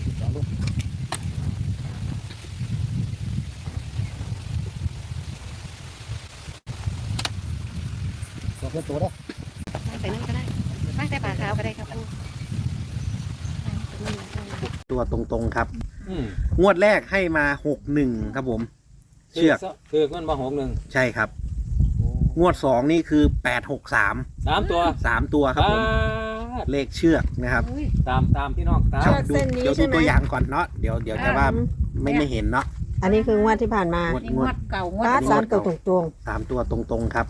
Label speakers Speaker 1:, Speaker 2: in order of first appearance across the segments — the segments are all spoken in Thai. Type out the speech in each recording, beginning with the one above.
Speaker 1: ลองดูตัวเพื่อตัวได้
Speaker 2: ใส่น้ำก็ได้ตั้งแต่ปลาขาวก็ได้ครับครู
Speaker 3: ตัวตรงๆครับงวดแรกให้มา61ครับผมเชือก
Speaker 4: คือมันมา61
Speaker 3: ใช่ครับงวด2นี่คือ863
Speaker 4: 3 ตัว
Speaker 3: 3 ตัวครับผมเลขเชือกนะครับ
Speaker 4: ตามพี่น้องตาม
Speaker 3: เดี๋ยวดูตัวอย่างก่อนเนาะเดี๋ยวจะว่าไม่เห็นเนาะ
Speaker 5: อันนี้คืองวดที่ผ่านมาง
Speaker 2: วดเก่างวด
Speaker 5: ป้าสามตัวตรง
Speaker 3: 3 ตัวตรงๆครับ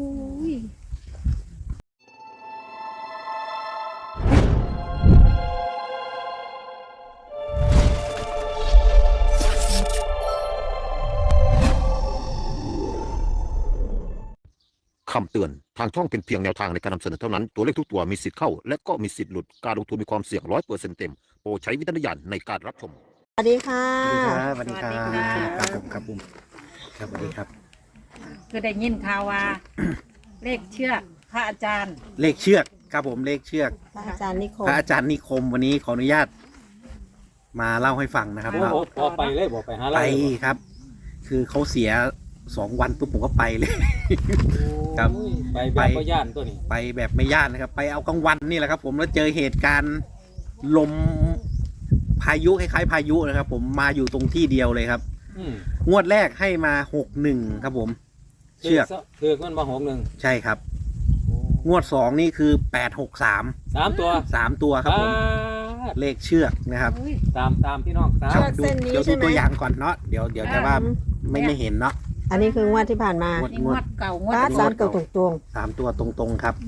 Speaker 6: คำเตือน ทางช่องเป็นเพียงแนวทางในการนำเสนอเท่านั้น ตัวเลขทุกตัวมีสิทธิ์เข้า และก็มีสิทธิ์หลุด การลงทุนมีความเสี่ยง100%เต็ม โปรดใช้วิจารณญาณในการรับชม
Speaker 5: ๆสวัสดีค่ะ
Speaker 3: สวัสดีครับครับผมครับสวัสดีครับ
Speaker 2: คือได้ยินข่าวว่า เลขเชือกพระอาจารย์
Speaker 3: เลขเชือกครับผมเลขเชือก
Speaker 5: พระอาจารย์นิคม
Speaker 3: พระอาจารย์นิคมวันนี้ขออนุญาต มาเล่าให้ฟังนะครับ
Speaker 4: โอ้
Speaker 3: ว่า
Speaker 4: โหพอไปเลยบอกไปหา
Speaker 3: ไป
Speaker 4: เรา
Speaker 3: ครับ คือเขาเสีย2 วันปุ๊บผมก็ไปเลย ครับ
Speaker 4: ไปแบบก็ย่านตัวนี้
Speaker 3: ไปแบบไม่ย่านนะครับ ไปเอากลางวันนี่แหละครับ ผมแล้วเจอเหตุการณ์ลมพายุคล้ายๆพายุนะครับ ผมมาอยู่ตรงที่เดียวเลยครับ งวดแรกให้มา61ครับผม เชือก
Speaker 4: คือมันมา61
Speaker 3: ใช่ครับ งวด2นี่คือ863
Speaker 4: 3 ตัว
Speaker 3: 3 ตัวครับผมเลขเชือกนะครับ
Speaker 4: ตามพี่น้องตาม
Speaker 3: ครับเดี๋ยวดูตัวอย่างก่อนเนาะเดี๋ยวจะว่าไม่เห็นเนาะ
Speaker 5: อันนี้คืองวดที่ผ่านมา
Speaker 2: นี่งวดเก่างวด
Speaker 5: ป้าสามตัวตรง
Speaker 3: 3 ตัวตรงๆครับ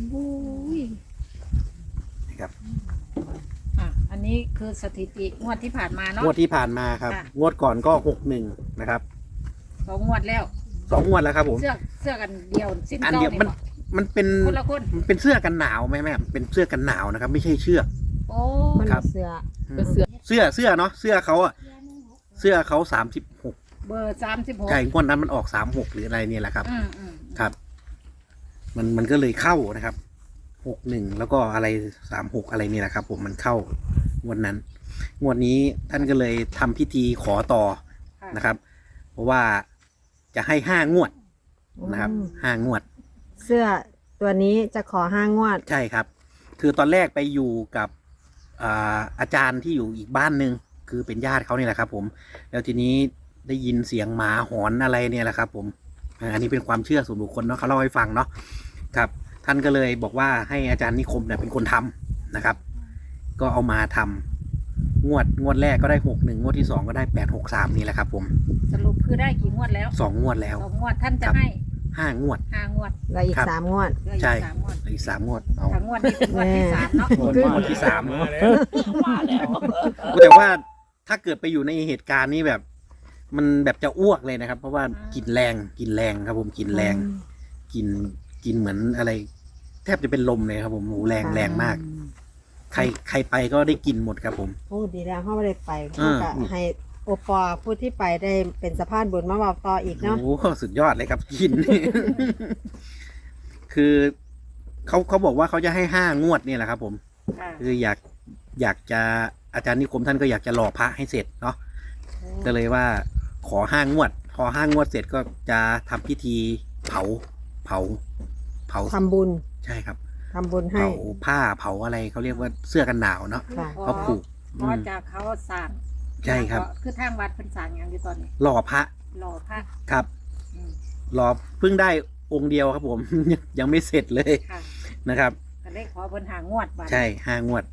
Speaker 3: นะครับ
Speaker 2: อันนี้คือสถิติงวดที่ผ่านมาเนาะ
Speaker 3: งวดที่ผ่านมาครับ
Speaker 2: ค่ะ
Speaker 3: งวดก่อนก็61นะครับ
Speaker 2: 2 งวดแล้ว
Speaker 3: 2 งวดแล้วครับผม
Speaker 2: เสื้อกันเดียวสิ้น
Speaker 3: อัน
Speaker 2: เก้า
Speaker 3: เดียว
Speaker 2: นี่
Speaker 3: มันเป็น
Speaker 2: คนละคน
Speaker 3: มันเป็นเสื้อกันหนาวไหมแม่เป็นเสื้อกันหนาวนะครับ ไม่ใช่เชือก
Speaker 2: โอ้
Speaker 5: ๆมัน
Speaker 3: ครับ
Speaker 5: เสือ
Speaker 3: เสื้อเนาะเสื้อเขาอะเสื้อเขา36
Speaker 2: เบอร์36
Speaker 3: ไก่งวดนั้นมันออก36หรืออะไรเนี่ยแหละครับ ครับ มันก็เลยเข้านะครับ61แล้วก็อะไร36อะไรนี่แหละครับ ผมมันเข้างวดนั้นงวดนี้ท่านก็เลยทำพิธีขอต่อนะครับ เพราะว่าจะให้5 งวดนะครับ5 งวด
Speaker 5: เสื้อตัวนี้จะขอ5 งวด
Speaker 3: ใช่ครับ คือตอนแรกไปอยู่กับอาจารย์ที่อยู่อีกบ้านหนึ่งคือเป็นญาติเขานี่แหละครับ ผมแล้วทีนี้ได้ยินเสียงหมาหอนอะไรเนี่ยแหละครับ ผมอันนี้เป็นความเชื่อส่วนบุคคลเนาะเขาเล่าให้ฟังเนาะครับ ท่านก็เลยบอกว่าให้อาจารย์นิคมเนี่ยเป็นคนทำนะครับ ก็เอามาทำงวดแรกก็ได้61งวดที่2ก็ได้863นี่แหละครับ ผม
Speaker 2: สรุปคือได้กี่งวดแล้ว
Speaker 3: 2 งวดแล้ว
Speaker 2: 2 งวดท่านจะให้
Speaker 3: 5 งวด
Speaker 2: 5 งวด
Speaker 5: แล้วอีก
Speaker 3: ครับ
Speaker 5: 3 งวด
Speaker 2: เหลืออีก
Speaker 3: ใช่
Speaker 2: 3 งวด
Speaker 3: อีก3 งวดเอา
Speaker 2: 3 งวดนี้เป็นงวดที่ 3เนาะ
Speaker 3: งวดที่3แต่ว่าถ้าเกิดไปอยู่ในเหตุการณ์นี้แบบ มันแบบจะอ้วกเลยนะครับ เพราะว่ากลิ่นแรงครับผมกลิ่นแรงกลิ่นเหมือนอะไร แทบจะเป็นลมเลยครับ ผมโหแรงมาก ใครไปก็ได้กลิ่นหมดครับผม
Speaker 5: พูดดีแล้วเขาไม่ได้ไปเขาก็ให้โอปอผู้ที่ไปได้เป็นสะพานบุญมาบอกต่ออีกเนาะ
Speaker 3: โอ้โหสุดยอดเลยครับกลิ่น คือเขาบอกว่าเขาจะให้5 งวดเนี่ยแหละครับ ผม คืออยากจะอาจารย์นิคมท่านก็อยากจะหล่อพระให้เสร็จเนาะก็เลยว่าขอ5 งวด พอ5 งวดเสร็จก็จะทำพิธีเผา
Speaker 5: ทำบุญ
Speaker 3: ใช่ครับ
Speaker 5: ทำบุญให้
Speaker 3: เผาผ้าเผาอะไรเขาเรียกว่าเสื้อกันหนาวเนาะ
Speaker 5: ค่ะ
Speaker 3: เขาผูก
Speaker 2: เพราะจากเขาสั่ง
Speaker 3: ใช่ครับ
Speaker 2: คือทางวัดเป็นสั่งอย่างอยู่ตอนนี้
Speaker 3: หล่อพระ
Speaker 2: หล่อพระ
Speaker 3: ครับ
Speaker 2: อืม
Speaker 3: หล่อเพิ่งได้องค์เดียวครับผม ยังไม่เสร็จเลย
Speaker 2: ค่ะ
Speaker 3: นะครับ
Speaker 2: ก็เลยขอเพิ่นหางวดบัด
Speaker 3: ใช่5 งวด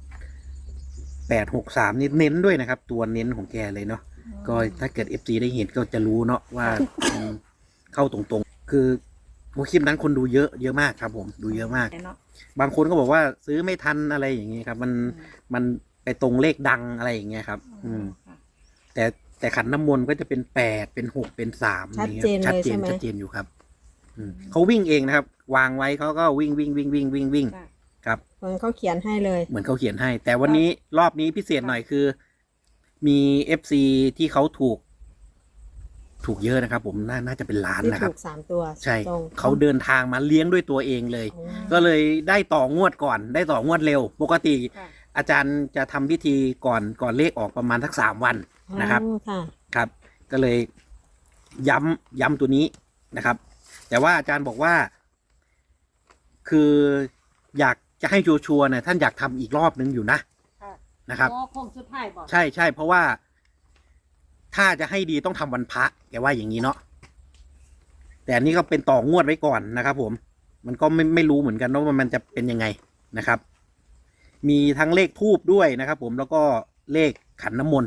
Speaker 3: 863นี่เน้นด้วยนะครับ ตัวเน้นของแกเลยเนาะก็ถ้าเกิด FC ได้เห็นก็จะรู้เนาะว่า เข้าตรงๆ คือคลิปนั้นคนดูเยอะมากครับ ผมดูเยอะมาก
Speaker 2: เนาะ
Speaker 3: บางคนก็บอกว่าซื้อไม่ทันอะไรอย่างเงี้ยครับ มันไปตรงเลขดังอะไรอย่างเงี้ยครับ
Speaker 2: ค่ะ
Speaker 3: แต่ขันน้ำมนต์ก็จะเป็น8เป็น6เป็น3
Speaker 5: ชัดเจนเลยใช่ไหม
Speaker 3: ชัดเจนอยู่ครับเขาวิ่งเองนะครับ วางไว้เขาก็วิ่ง
Speaker 2: ค่ะ
Speaker 3: ครับ
Speaker 5: เหมือนเขาเขียนให้เลย
Speaker 3: เหมือนเขาเขียนให้ แต่วันนี้รอบนี้พิเศษหน่อยคือ มี FC ที่เขาถูกเยอะนะครับ ผมน่าจะเป็นล้าน
Speaker 5: ที่
Speaker 3: นะครับ
Speaker 5: ถูก3 ตัว
Speaker 3: ใช่
Speaker 5: ตรง
Speaker 3: เขาเดินทางมาเลี้ยงด้วยตัวเองเลย
Speaker 5: โอ้
Speaker 3: ก็เลยได้ต่องวดก่อน ได้ต่องวดเร็ว ปกติ
Speaker 2: ค่ะ
Speaker 3: อาจารย์จะทำพิธีก่อนเลขออกประมาณสัก3 วันนะครับ
Speaker 5: อ๋อค่ะ
Speaker 3: ครับ ก็เลยย้ำตัวนี้นะครับ แต่ว่าอาจารย์บอกว่า คืออยากจะให้ชัวร์ๆเนี่ยท่านอยากทำอีกรอบนึงอยู่นะ
Speaker 2: ค่ะ
Speaker 3: นะครับ
Speaker 2: โอ้คงสุดท้ายบอก
Speaker 3: ใช่เพราะว่า ถ้าจะให้ดีต้องทำวันพระแกว่าอย่างนี้เนาะแต่อันนี้ก็เป็นต่องวดไว้ก่อนนะครับ ผม มันก็ไม่รู้เหมือนกันว่ามันจะเป็นยังไงนะครับ มีทั้งเลขทูบด้วยนะครับ ผมแล้วก็เลขขันน้ำมนต์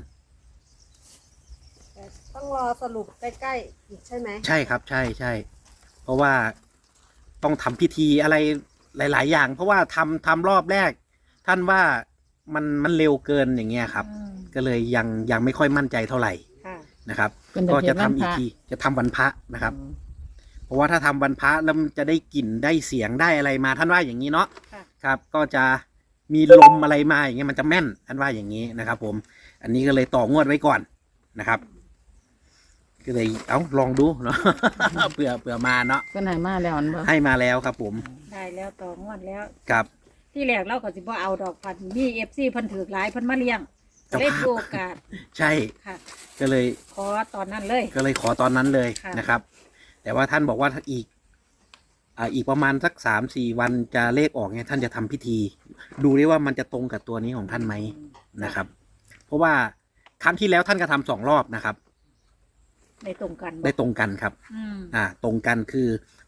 Speaker 5: ต้องรอสรุปใกล้ๆอีกใช่ไหม
Speaker 3: ใช่ครับ ใช่เพราะว่าต้องทำพิธีอะไรหลาย ๆ อย่าง เพราะว่าทำรอบแรก ท่านว่ามันเร็วเกินอย่างเงี้ยครับ
Speaker 2: อืม
Speaker 3: ก็เลยยังไม่ค่อยมั่นใจเท่าไหร่
Speaker 2: ค่ะ
Speaker 3: นะครับ
Speaker 7: เป็นแต่
Speaker 3: ก็
Speaker 7: เพีย
Speaker 3: จะ
Speaker 7: ง
Speaker 3: ทำ
Speaker 7: วัน
Speaker 3: อี
Speaker 7: พ
Speaker 3: ก
Speaker 7: ระ
Speaker 3: ทีจะทำวันพระนะครับ เพราะว่าถ้าทำวันพระแล้วมันจะได้กลิ่นได้เสียงได้อะไรมาท่านว่าอย่างนี้เนาะ
Speaker 2: ค่ะ
Speaker 3: ครับ ก็จะมีลมอะไรมาอย่างเงี้ยมันจะแม่นท่านว่าอย่างนี้นะครับ ผม อันนี้ก็เลยต่องวดไว้ก่อนนะครับ ก็เลยลองดูเนาะ เผื่อมาเนาะ
Speaker 7: เพิ่นให้มาแล้วอันบ่
Speaker 3: ให้มาแล้วครับ ผม
Speaker 2: ได้แล้วต่องวดแล้ว
Speaker 3: ครับ
Speaker 2: ที่แรกเราก็สิบ่เอาดอกพันมีFC เพิ่นถือหลายเพิ่นมาเลี้ยงก็เลยถือโอกาส
Speaker 3: ใช่
Speaker 2: ค่ะ
Speaker 3: ก็เลย
Speaker 2: ขอตอนนั้นเลย
Speaker 3: ขอตอนนั้นเลย
Speaker 2: ค่ะ
Speaker 3: นะครับ แต่ว่าท่านบอกว่าถ้าอีกประมาณสัก3-4 วันจะเลขออกเนี่ยท่านจะทำพิธี ดูดิว่ามันจะตรงกับตัวนี้ของท่านไหมนะครับ เพราะว่าครั้งที่แล้วท่านก็ทำ2 รอบนะครับ
Speaker 2: ได้ตรงกันบ่
Speaker 3: ได้ตรงกันครับ
Speaker 2: อืม
Speaker 3: ตรงกันคือ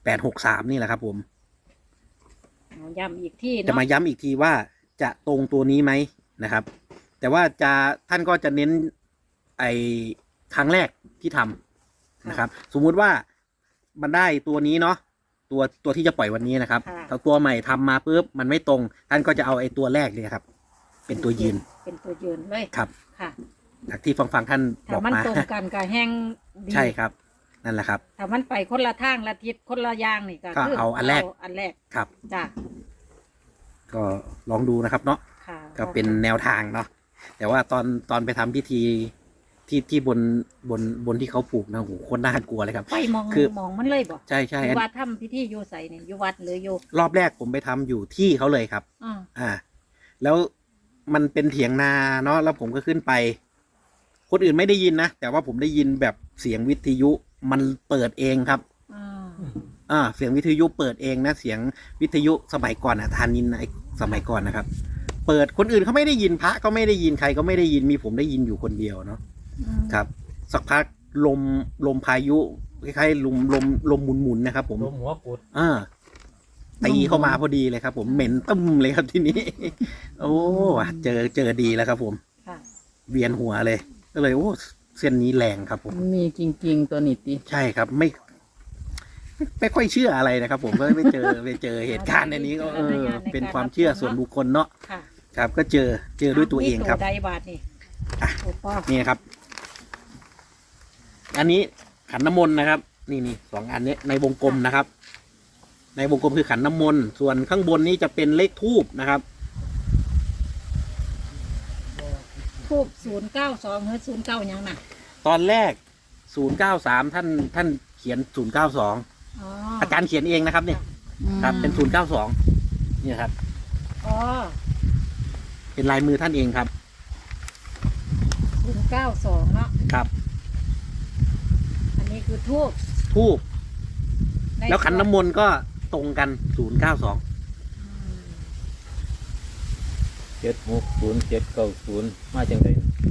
Speaker 3: 863นี่แหละครับ ผม
Speaker 2: เอาย้ำอีกที่
Speaker 3: จะ
Speaker 2: เนาะ
Speaker 3: มาย้ำอีกทีว่าจะตรงตัวนี้ไหมนะครับ แต่ว่าท่านก็จะเน้นไอ้ครั้งแรกที่ทำนะครับ สมมุติว่ามันได้ตัวนี้เนาะตัวที่จะปล่อยวันนี้นะครับถ้าตัวใหม่ทำมาปุ๊บมันไม่ตรง ท่านก็จะเอาไอ้ตัวแรกเลยครับ เป็นตัวยืน
Speaker 2: เป็นตัวยืนเลย
Speaker 3: ครับ
Speaker 2: ค่ะ
Speaker 3: จากที่ฟังท่านบ
Speaker 2: ถ้า
Speaker 3: อก
Speaker 2: มัน
Speaker 3: มา
Speaker 2: ตรงกันก็แห้งดี
Speaker 3: ใช่ครับ นั่นแหละครับ
Speaker 2: ถ้ามันไปคนละทางละทิศคนละอย่างนี่ก็
Speaker 3: ก็
Speaker 2: คือ
Speaker 3: เอาอันแรก
Speaker 2: อันแรก
Speaker 3: ครับ
Speaker 2: จ้ะ
Speaker 3: ก็ลองดูนะครับเนาะ
Speaker 2: ค่ะ
Speaker 3: ก็เป็นแนวทางเนาะแต่ว่าตอนไปทำพิธีที่บนที่เขาปลูกนะโหโคตรน่ากลัวเลยครับ
Speaker 2: ไปมอง
Speaker 3: คือ
Speaker 2: มองมันเลยบ่
Speaker 3: ใช่
Speaker 2: อยู่วัดทำพิธีอยู่ใส่เนี่ยอยู่วัดหรืออยู่
Speaker 3: รอบแรกผมไปทำอยู่ที่เขาเลยครับ
Speaker 2: อ่า
Speaker 3: แล้วมันเป็นเถียงนาเนาะแล้วผมก็ขึ้นไป คนอื่นไม่ได้ยินนะแต่ว่าผมได้ยินแบบเสียงวิทยุมันเปิดเองครับ เสียงวิทยุเปิดเองนะเสียงวิทยุสมัยก่อนทานินไอสมัยก่อนนะครับ เปิดคนอื่นเขาไม่ได้ยินพระก็ไม่ได้ยินใครก็ไม่ได้ยินมีผมได้ยินอยู่คนเดียวเนาะ ครับ สักพักลมพายุคล้ายๆลมหมุนๆนะครับ ผม
Speaker 4: ลมหัวกุด
Speaker 3: ตีเข้ามาพอดีเลยครับ ผมเหม็นตึ้มเลยครับทีนี้ โอ้เจอดีแล้วครับ ผม
Speaker 2: ค่ะ
Speaker 3: เวียนหัวเลยก็เลยโอ้เส้นนี้แรงครับ ผม
Speaker 7: มันมีจริง ๆ ตัวนี้ติ
Speaker 3: ใช่ครับไม่ค่อยเชื่ออะไรนะครับ ผมก็ไปเจอเหตุการณ์ในนี้ก็เป็นความเชื่อส่วนบุคคลเนาะ
Speaker 2: ค่ะ
Speaker 3: ครับ ก็เจอด้วยตัวเองครับ
Speaker 2: มีใดบาทนี่
Speaker 3: อ่ะ
Speaker 2: โอ้ป้อ
Speaker 3: นี่ครับ อันนี้ขันน้ำมนต์นะครับ นี่2 อันนี้ในวงกลมนะครับ ในวงกลมคือขันน้ำมนต์ส่วนข้างบนนี้จะเป็นเลขทูบนะครับ
Speaker 2: ทูบ092หรือ09ยังน่ะ
Speaker 3: ตอนแรก093ท่านเขียน092
Speaker 2: อ๋อ
Speaker 3: อาจารย์เขียนเองนะครับเนี่ยครับ เป็น092เนี่ยครับ
Speaker 2: อ๋อ
Speaker 3: เป็นลายมือท่านเองครับ
Speaker 2: 092เนาะ
Speaker 3: ครับ
Speaker 2: อันนี้คือทูบ
Speaker 3: ทูบ
Speaker 2: ใน
Speaker 3: แล้วขันน้ำมนต์ก็ตรงกัน092
Speaker 4: 760 790มาจังได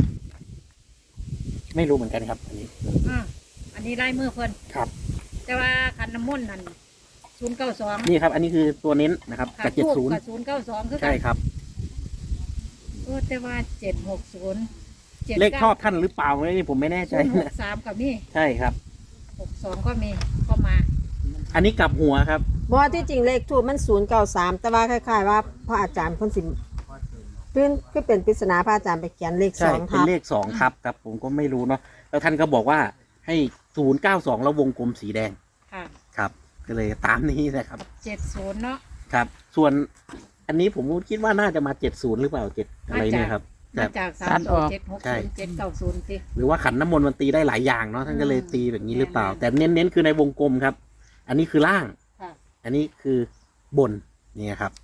Speaker 3: ไม่รู้เหมือนกันครับ อันนี้
Speaker 2: อันนี้ลายมือเพิ่น
Speaker 3: ครับ
Speaker 2: แต่ว่าขันน้ำมนต์นั่น092
Speaker 3: นี่ครับ อันนี้คือตัวเน้นนะครับ
Speaker 2: ค่ะ
Speaker 3: กับ
Speaker 2: ทูบกับ
Speaker 3: 70
Speaker 2: 092คือกั
Speaker 3: ใช่ครับ
Speaker 2: แต่ว่า760
Speaker 3: เลขชอบท่านหรือเปล่านี่ผมไม่แน่ใจนะ
Speaker 2: 063ก็มี
Speaker 3: ใช่ครับ
Speaker 2: 62ก็มีก็มา
Speaker 3: อันนี้กลับหัวครับ
Speaker 5: บ่ที่จริงเลขทูบมัน093แต่ว่าคล้ายๆว่าพระอาจารย์เพิ่นสิพื้นก็เป็นปริศนาพระอาจารย์ไปเขียนเลข
Speaker 3: ใช่
Speaker 5: 2
Speaker 3: เป็นเลข2ครับครับ ผมก็ไม่รู้เนาะแล้วท่านก็บอกว่าให้092แล้ววงกลมสีแดง
Speaker 2: ค่ะ
Speaker 3: ครับก็เลยตามนี้นะครับ
Speaker 2: 70เนาะ
Speaker 3: ครับ ส่วนอันนี้ผมคิดว่าน่าจะมา70หรือเปล่า7อะไรเนี่ยครับ
Speaker 2: มาจาก
Speaker 7: ตัดออก
Speaker 2: 3
Speaker 3: ใช่
Speaker 2: 7 6 0 7 9 0สิ
Speaker 3: หรือว่าขันน้ำมนต์มันตีได้หลายอย่างเนาะท่านก็เลยตีแบบนี้หรือเปล่า แต่เน้นๆคือในวงกลมครับ อันนี้คือล่าง
Speaker 2: ค่ะ
Speaker 3: อันนี้คือบนนี่ครับ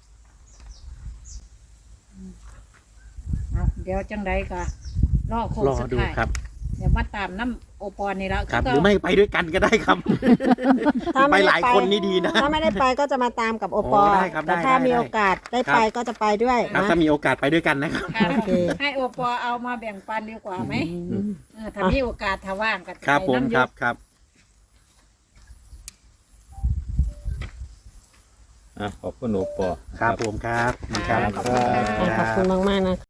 Speaker 2: เอาเดี๋ยวจังไดก็รอโค้ง
Speaker 3: รอ
Speaker 2: สุด
Speaker 3: ดู
Speaker 2: ท้าย
Speaker 3: ครับ
Speaker 2: เดี๋ยวมาตามน้ำโอปอนี่แล้ว
Speaker 3: ครับ หรือไม่ไปด้วยกันก็ได้ครับ
Speaker 5: ถ้า
Speaker 3: ไป
Speaker 5: ไม่ได้
Speaker 3: หลายคนนี่ดีนะ
Speaker 5: ถ้าไม่ได้ไปก็จะมาตามกับโอปอ
Speaker 3: โอ้ได้ครับ
Speaker 5: แต่
Speaker 3: ได้
Speaker 5: ถ้า
Speaker 3: ได้
Speaker 5: มี
Speaker 3: ได้
Speaker 5: โอกาสได้
Speaker 3: ครับ
Speaker 5: ไปก็จะไปด้วย
Speaker 3: ครับ
Speaker 5: นะ
Speaker 3: ถ้ามีโอกาสไปด้วยกันนะครับ
Speaker 2: ค่ะ
Speaker 5: โอเค
Speaker 2: ให้โอปอเอามาแบ่งปันดีกว่าไหมถ้ามีโอกาสถ้าว่างกัน
Speaker 3: ครับผมครับครับ
Speaker 4: ขอบคุณหนูปอ
Speaker 3: ครับผมครับ
Speaker 2: ขอบคุณค่ะ
Speaker 5: ขอบคุณมากๆนะ